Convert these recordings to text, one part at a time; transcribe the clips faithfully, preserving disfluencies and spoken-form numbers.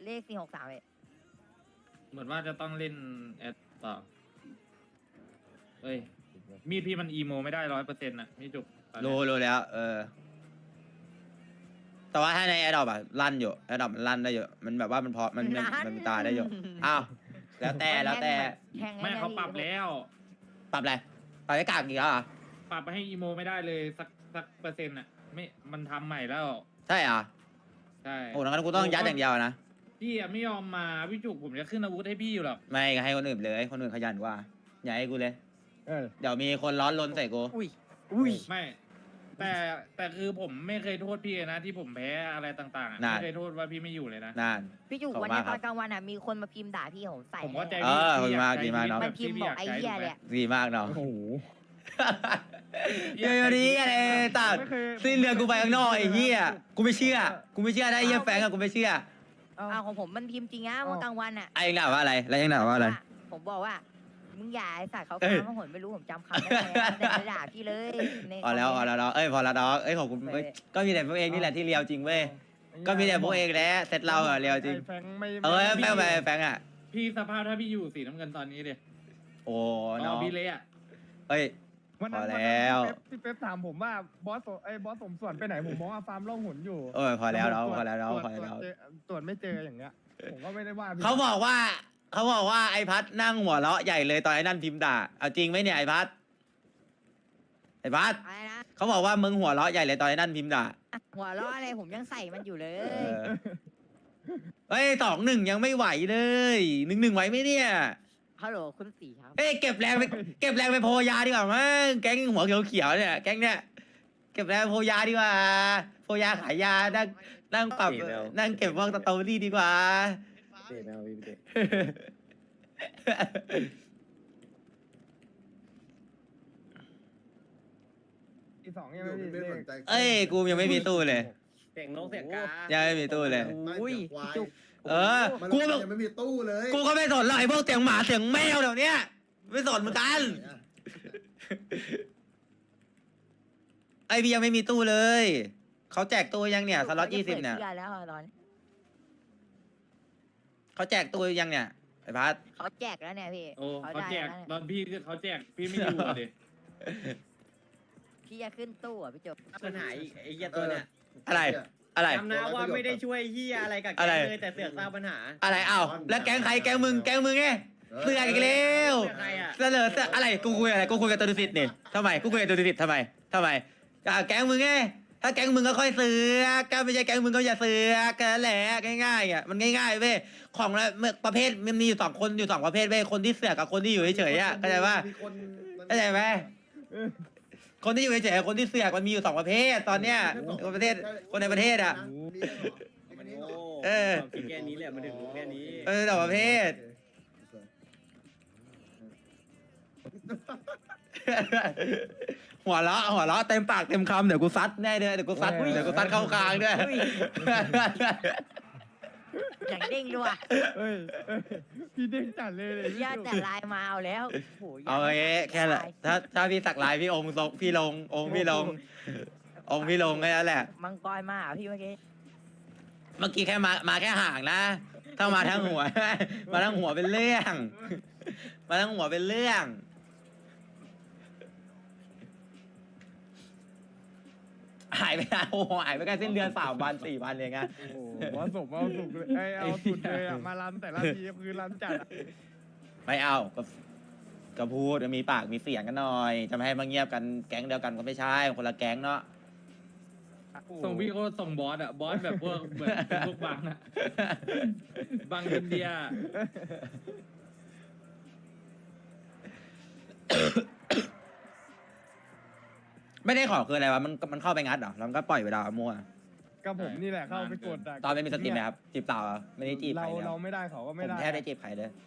เลขสี่หกสามเอ็ดเหมือนว่าจะต้องเล่นแอดต่อเอ้ยมีดพี่มันอีโมไม่ได้ร้อยเปอร์เซ็นต์อะพี่จุกตอนเนี้ยรู้รู้แล้ว เออ แต่ว่าถ้าในแอดดอปอะลั่นอยู่แอดดอปมันลั่นได้อยู่มันแบบว่ามันพอมันมันมันมีตาได้อยู่อ้าวแล้วแต่แล้วแต่แทงไม่เขาปรับแล้วปรับอะไรปรับให้กากอีกแล้วเหรอ่ะปรับไปให้อีโมไม่ได้เลยสักสักเปอร์เซ็นต์อะไม่มันทำใหม่แล้วใช่เหรอ่ะใช่โอ้งั้นกูต้องยัดอย่างเดียวนะพี่อะไม่ยอมมาพี่จุกผมจะขึ้นอาวุธให้พี่อยู่หรอกไม่ให้คนอื่นเลยคนอื่นขยันกว่าอย่าให้กูเลยเออเดี๋ยวมีคนร้อนรนใส่กูอุ้ยอุ้ยไม่ แต่แต่คือผมไม่เคยโทษพี่นะที่ผมแพ้อะไรต่างๆอะนั่นไม่เคยโทษว่าพี่ไม่อยู่เลยนะนานพี่จุกขอบคุณวันนี้มากคตรัอบ นกลางวันอ่ะมีคนมาพิมพ์ด่าพี่ผมใส่ผมเข้าใจเอพี่อพี่อยากดีมากใช้ดีมากชีวิตเนอะมันพิมพ์บอกไอ้เหี้ยเลยอะดีมากเนาะโอ้โหเดี๋ยวนี้อะไรตัดไม่เคยสิ้นเดือนกูไปข้างนอกไอ้เหี้ยกูไม่เชื่อกูไม่เชื่อได้ไอ้เหี้ยแฟงอะกูไม่เชื่อเอ้าเอาของผมมันพิมพ์จริงนะเมื่อกลางวันอ่ะไอ้ยังด่าว่าอะไรแล้วยังด่าว่าอะไรผมบอกว่ามึงอย่าไอ้สัตว์เขาเอ้ยฟังเขาหนไม่รู้ผมจำคำไม่ได้อะแต่มาด่าพี่เลยในพอแล้วพอแล้วเนาะเอ้ยพอแล้วเนาะเอ้ยขอบคุณเอ้ยก็มีแต่พวกเองนี่แหละที่เลียวจริงเว้ยก็มีแต่พวกเองแหละเสร็จเราอะเลียวจริงไอ้แฟงไม่เอ้ยแฟงไปแฟงอะพี่สภาพถ้าพี่อยู่สีน้ำเงินตอนนี้เลยโอ้น้เนาะองพี่เละอะเอ้ยวันนั้นพอแล้ววันนั้นพี่เป๊ปพี่เป๊ปถามผมว่าบอสโสไอ้บอสสมส่วนไปไหนผมมองว่าฟาร์มล่องหนอยู่เออพอแล้วเนาะตรจพอแล้วเนาะตรจพอแล้วตรจเจอตรวจไม่เจออย่างเงี้ยผมก็ไม่ได้ว่าพี่เขาบอกว่าเขาบอกว่าไอ้พัดนั่งหัวเราะใหญ่เลยตอนไอ้นั่นพิมพ์ด่าเอาจริงไหมเนี่ยไอ้พัดไอ้พัดอะไรนะเขาบอกว่ามึงหัวเราะใหญ่เลยตอนไอ้นั่นพิมพ์ด่าหัวล้ออะไรผมยังใส่มันอยู่เลเอย อเฮ้ยสองหนึ่งยังไม่ไหวเลยหนึ่งหนึ่งไหวไหมเนี่ยฮัลโหลคุณสี่ครับเอ้ยเก็บแรงไปเก็บแรงไปโพยาดีกว่ามั้งแก๊งหัวเขียวๆเนี่ยแก๊งเนี่ยเก็บแรงโพยาดีกว่าโพยาขายยานั่งนั่งปรับนั่งเก็บพวกสตอรี่ดีกว่าเตะแมวพี่เตะอีสองยังไม่มีไม่เลสขนใจเอ้ยกูยังไม่มีตู้เลยเสียงนกเสียงกายังไม่มีตู้เลยอุ้ยจุกเออมันกูยังไม่มีตู้เลยกูก็ไม่สนหรอกไอ้พวกเสียงหมาเสียงแมวเดี๋ยวนี้ไม่สนเหมือนกันไอพียังไม่มีตู้เลยเขาแจกตู้ยังเนี่ยสล็อตยี่สิบเนี่ยเชื่อแล้วตอนเขาแจกตู้ยังเนี่ยไอ้พัดเขาแจกแล้วเนี่ยพี่โอ้เขาได้แจกแล้วเนี่ยตอนพี่เขาแจกพี่ไม่อยู่อะดิพี่จะขึ้นตู้อ่ะพี่จบปัญหาอีกไอ้เหี้ยตัวเนี้ยอะไรอะไรจำนะว่าไม่ได้ช่วยเหี้ยอะไรกับแกอะไรเลยแต่เสือกสร้างปัญหาอะไรเอ้าแล้วแก๊งใครแก๊งมึงแก๊งมึงไงเสือกอีกแล้วเสือกใครอะเสนอเสือกอะไรกูคุยอะไรกูคุยกับตัวดิสิตนี่ทำไมกูคุยกับตัวดิสิตทำไมทำไมอ่ะแก๊งมึงไงถ้าแก๊งมึงก็ค่อยเสือกก็ไม่ใช่แก๊งมึงก็อย่าเสือกกันแหละง่ายๆอ่ะมันง่ายๆเว้ยของละประเภทมันมีอยู่สองคนอยู่สองประเภทเว้ยคนที่เสือกกับคนที่อยู่เฉยๆอ่ะเข้าใจป่ะมีคนเข้าใจไหมคนที่อยู่เฉยๆกับคนที่เสือกมันมีอยู่สองประเภทตอนเนี้ยคนประเทศคนในประเทศอ่ะมีด้วยเหรอมันโง่เออความคิดแค่นี้แหละมันถึงรู้แค่นี้เออสองประเภท หัวเราะหัวเราะเต็มปากเต็มคำเดี๋ยวกูซัดแน่เลยเดี๋ยวกูซัดเดี๋ยวกูซัดเข้ากลางด้วยอย่างเด้งด้วยเอ้ยเอ้ยพี่เด้งจัดเลยเลยพี่ญาติจุกแต่ไลน์มาเอาแล้วโอ้โหเอาเงี้แค่ละถ้าถ้าพี่สักลายพี่องค์ลงพี่ลงองค์พี่ลงองค์พี่ลงแค่นั้นแหละมังกรมาเหรอพี่เมื่อกี้เมื่อกี้แค่มามาแค่ห่างนะ ถ้ามาทั้งหัว มาทั้งหัวเป็นเรื่อง มาทั้งหัวเป็นเรื่อง หายไปนานโอ้โหหายไปแค่สิ้นเดือนสามวันสี่วันเองอะโอ้โหเอาสุกเอาสุกเลยไอ้ยเอาสุดเลยอ่ะมารันแต่ละทีคือรันจัดอะไม่เอาก็ก็พูดมีปากมีเสียงกันหน่อย จะไม่ให้มาเงียบกันแก๊งเดียวกันก็ไม่ใช่คนละแก๊งเนาะส่งพี่ก็ส่งบอสอะบอสแบบพวกเหมือนเป็นพวกบังอะบังอินเดียไม่ได้ขอคืออะไรวะมันมันเข้าไปงัดเหรอแล้วมันก็ปล่อยเวลามั่วก็ผมนี่แหละเข้าไปกดะตอนไม่มีสติไหมครับจีบสาวเหรอไม่ได้จีบใคเรารเลยเราไม่ได้เขาก็ผไม่มได้แทบได้จีบใครเลย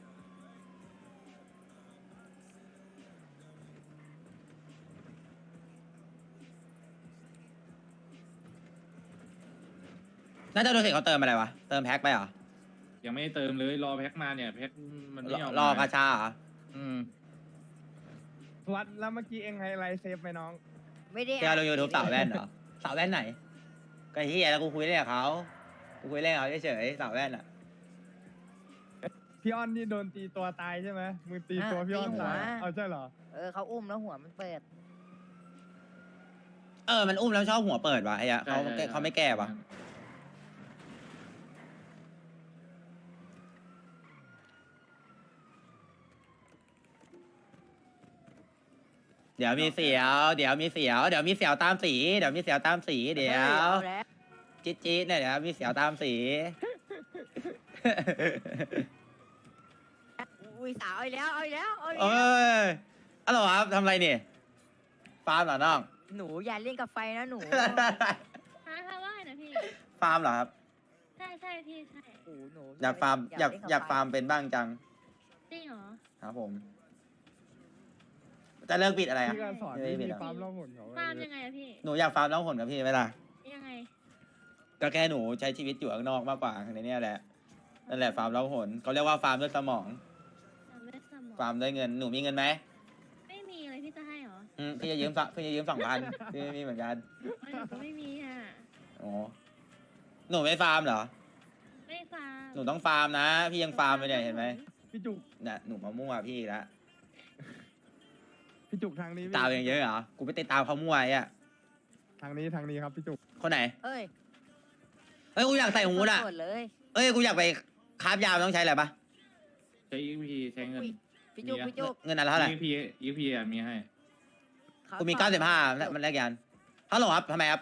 น่าจะโดนเสกเขาเติมอะไรวะเติมแพ็คไปเหรอยังไม่เติมเลยรอแพ็คมาเนี่ยแพ็คมันไม่ยอมรอกาชาเหรออืมวัดแล้วเมื่อกี้เองไฮไลท์เซฟไหมน้องไม่ได้แกลงยูทูบสาวแว่นเหรอสาวแว่นไหนก็เฮียแล้วกูคุยได้กับเขากูคุยเล่นเอาเฉยๆสาวแว่นอ่ะพี่อ้อนนี่โดนตีตัวตายใช่ไหมมึงตีตัวพี่อ้อนตายเอาใช่เหรอเออเขาอุ้มแล้วหัวมันเปิดเออมันอุ้มแล้วชอบหัวเปิดวะไอ้อะเขาใช่ใช่เขาไม่แก้ปะเดี๋ยวมีเสียว เดี๋ยวมีเสียว เดี๋ยวมีเสียวตามสี เดี๋ยวมีเสียวตามสี เดี๋ยวอาแล้วจี๊ดจี๊ดเนี่ยเดี๋ยวมีเสียวตามสีอุ้ยสาวเอาอีกแล้วเอาอีกแล้วเอาอีกเอ้แล้วยอะไรวะครับทำอะไรเนี่ยฟาร์มเหรอน้องหนูอย่าเล่นกับไฟนะหนูฮะค่ะว่าไงนะพี่ฟาร์มเหรอครับใช่ใช่พี่ใช่โอ้โหหนูอยากฟาร์มอยากเล่นบอยากไฟาร์มเป็นบ้างจังจริงเหรอครับผม จะเลิกปิดอะไรอ่ะพี่ก็สอนไม่วิมีธีหรอปั๊มล่องหนเขาฟาร์มยังไงอะพี่หนูอยากฟาร์มน้องผลกับพี่ไหมล่ะยังไงก็แค่หนูใช้ชีวิตอยู่ข้างนอกมากกว่าในเนี้ยแหละ นั่นแหละฟาร์มเล้าหนเขาเรียกว่าฟาร์มด้วยสมองฟาร์มด้วยสมองฟาร์มด้วยเงิน หนูมีเงินไหมไม่มีเลยพี่จะให้เหรออืมพี่จะยืมสักพี่จะยืมสองพันพี่ไม่มีเหมือนกันไม่หนูก็ไม่มีอ่ะโอ้หนูไม่ฟาร์มเหรอไม่ฟาร์มหนูต้องฟาร์มนะ พี่ยังฟาร์มไปเนี่ยเห็นไหมพี่จุกน่ะหนูมามั่วพี่ละพี่จุกทางนี้พี่ตามอย่างเยอะเหรอ กูไปติดตามเขามั่วไอ้อะทางนี้ทางนี้ครับพี่จุกคนไหนเอ้ยเอ้ยกูอยากใส่หูดอ่ะหมดเลยเอ้ยกูอยากไปคาบยาวต้องใช้อะไรปะใช้ อี พี ใช้เงินอุ้ยพี่จุกมีอะพี่จุกเงินอันละเท่าไหร่อี พี อี พี อ่ะมีให้ขกูมีเก้าสิบห้ามันแลกยันฮัลโหลครับทำไมครับ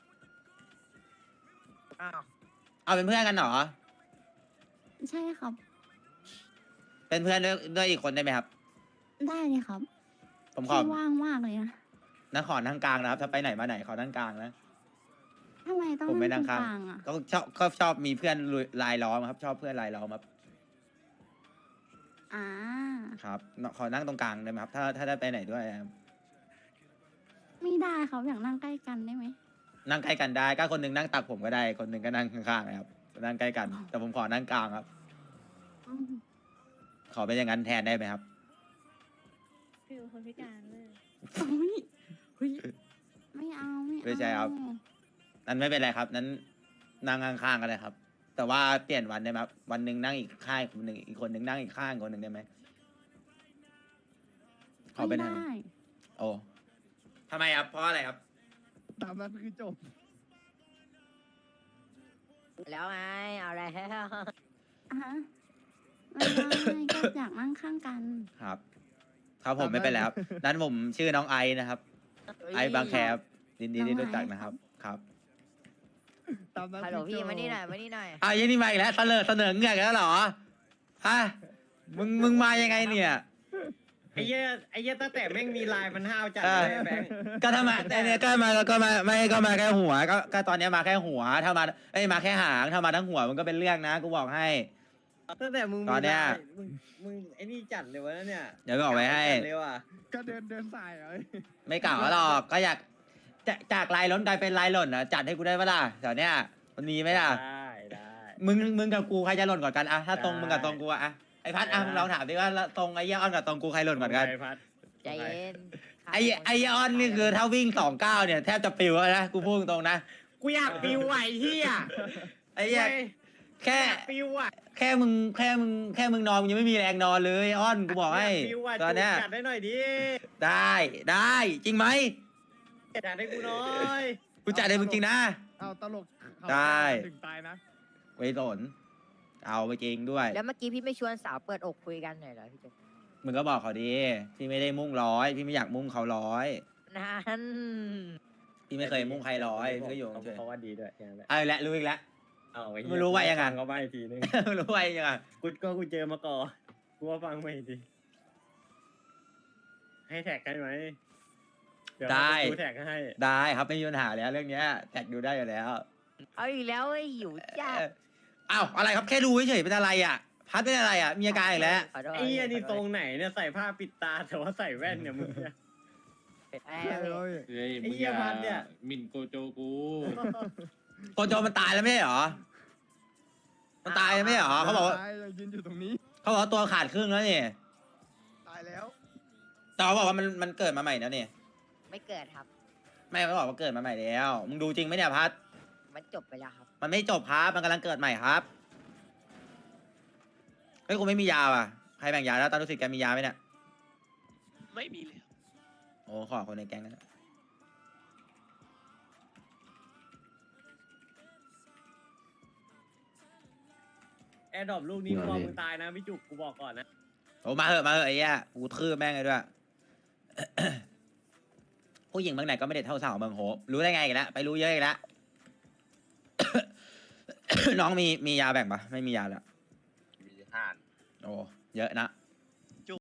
อ้าวเอาเป็นเพื่อนกันเหรอใช่ครับเป็นเพื่อนด้วยด้วยอีกคนได้ไหมครับได้เลยครับผมขอพี่ว่างมากเลยนะนั่งขอนั่งกลางนะครับ ถ้าไปไหนมาไหนขอนั่งกลางนะทำไมต้องผมไม่นั่งนั่ตงรงข้างกลางอ่ะก็ชอบก็ชอบมีเพื่อนลายล้อมครับ ชอบเพื่อนลายล้อมครับอ่าครับ ขอนั่งตรงกลางได้ไหมครับ ถ้าถ้าได้ไปไหนด้วยครับไม่ได้ครับอยากนั่งใกล้กันได้ไหมนั่งใกล้กันได้ก็คนหนึงนั่งตักผมก็ได้ คนหนึงก็นั่งข้างๆนะครับ นั่งใกล้กัน แต่ผมขอนั่งกลางครับอืมขอเป็นอย่างนั้นแทนได้ไหมครับฟิวคนพิการเลยโอ้ยเฮ้ยไม่เอาไม่เอาไม่ใช่ครับ นั้นไม่เป็นไรครับ นั้นนั่งข้างๆกันเลยครับ แต่ว่าเปลี่ยนวันได้ไหมครับ วันหนึ่งนั่งอีกข้างคนหนึ่งอีกคนหนึ่งนั่งอีกข้างคนหนึ่งได้ไหมขอเป็นไม่ทางได้โอ้ทำไมครับ เพราะอะไรครับตามนั้นคือจบแล้วไงเอาแล้วอ่ะฮะไม่ได้ก็อยากนั่งข้างกันครับ ครับผมไม่เป็นไรครับ นั้นผมชื่อน้องไอนะครับ ไอบางแคบยินดีที่รู้จักนะครับ ครับตามนั้นฮัลโหลคือพี่จบมานี่หน่อยมานี่หน่อยอ้าวยี่นี่มาอีกแล้วเสนอเสนอเงือกแล้วเหรอฮะมึงมึงมายังไงเนี่ยไอ้เหี้ยไอ้เหี้ยตั้งแต่แม่งมีลายมันห้าวจัดเออเลยแบงค์ก็ถ้ามาแต่เนี่ยก็มาก็มาไม่ก็มาแค่หัว ก็ก็ตอนเนี้ยมาแค่หัว ถ้ามาเอ้ยมาแค่หางถ้ามาทั้งหัวมันก็เป็นเรื่องนะกูบอกให้ตั้งแต่มึงมีตอนเนี้ยลายมึงมึงไอ้นี่จัดเลยวะเนี่ยเดี๋ยวบอกไว้ให้จัดเลยว่ะก็เดินเดินสายเอ้ยไม่เก่าหรอกก็อยากจะจากลายล้นกลายเป็นลายหล่นอ่ะจัดให้กูได้ปะล่ะแถวเนี้ยมันมีไหมล่ะได้ได้มึงมึงกับกูใครจะหล่นก่อนกันอะถ้าตรงได้มึงกับตรงกูอะอะไอพัดอะได้มึงลองถามดิว่าตรงไอ้เหี้ยอ้อนกับตรงกูใครหล่นก่อนกันไปพัดใจเย็นไอ้ไอ้เหี้ยอ้อนนี่คือถ้าวิ่งสองเก้าเนี่ยแทบจะปิวแล้วนะกูพูดตรงๆนะกูอยากปิวไหวเฮียไอ้เหี้ยแค่อยากปิวอ่ะแค่มึงแค่มึงแค่มึงนอนมึงยังไม่มีแรงนอนเลยอ้อนกูบอกให้ยากปิวอ่ะตอนเนี้ยจัดได้หน่อยดิได้ได้จริงไหมจัดให้กูหน่อยกูจัดให้มึงจริงนะเอาตลกเขาได้ถึงตายนะไว้สนเอาไปจริงด้วยแล้วเมื่อกี้พี่ไม่ชวนสาวเปิดอกคุยกันหน่อยเหรอพี่จุกมึงก็บอกเขาดิพี่ไม่ได้มุ่งร้อยพี่ไม่อยากมุ่งเขาร้อยนั่นพี่ไม่เคยมุ่งใครร้อยพี่ก็อยู่เฉยเขาว่าดีด้วยอย่างนั้นแหละเอาอีกแล้วรู้อีกแล้วเอาอ้เหี้ไม่รู้ว่ายังไงฟัเขาไปอีกทีนึงรู้ไว้ยังไงกูก็กูเจอมาก่อนกูว่าฟังไม่ดีให้แท็กกันไหมเดี๋ยวได้กูแท็กให้ได้ครับไม่มีปัญหาแล้วเรื่องเนี้ยแท็กดูได้อยู่แล้วเอาอีกแล้วไอ้ยหิวจ้าเอออ้าวอะไรครับแค่ดูเฉยๆเป็นอะไรอ่ะ พัดเป็นอะไรอ่ะมีอาการอีกแล้วขโทษไอ้เหี้ยนี่ขทโทรษงไหนเนี่ยใส่ผ้าปิดตาแต่ว่าใส่แว่นเนี่ยมึงเนี่ยไอ้ใช่เลยเฮ้ยไอ้มึงเหี้อย ย่าพัดเนี่ยหมินโกโจกูโกโจมันตายแล้วไม่ใช่เหรอมันตายแล้วไม่ใช่เหรอเขาบอกว่าตายยังยืนอยู่ตรงนี้เขาบอกว่าตัวขาดครึ่งแล้วนี่ตายแล้วแต่เขาบอกว่ามันมันเกิดมาใหม่แล้วนี่ไม่เกิดครับไม่เขาบอกว่าเกิดมาใหม่แล้วมึงดูจริงไหมเนี่ยพัดมันจบไปแล้วครับมันไม่จบครับ มันกำลังเกิดใหม่ครับเฮ้ยกูไม่มียาว่ะใครแบ่งยาแล้วตอนรู้สึกแกมียาไหมเนี่ยไม่มีเลยโอ้ขอคนในแก๊งนั้นแอร์ดรอปลูกนี้พอมึงตายนะพี่จุกกูบอกก่อนนะโอ้มาเหอะมาเหอะไอ้เหี้ยกูทื่อแม่งเลยด้วย ผู้หญิงบางไหนก็ไม่ได้เท่าสาวเมืองโหรู้ได้ไงอีกันแล้วไปรู้เยอะอีกแล้ว น้องมีมียาแบ่งปะไม่มียาแล้วมีห้านโอ้เยอะนะ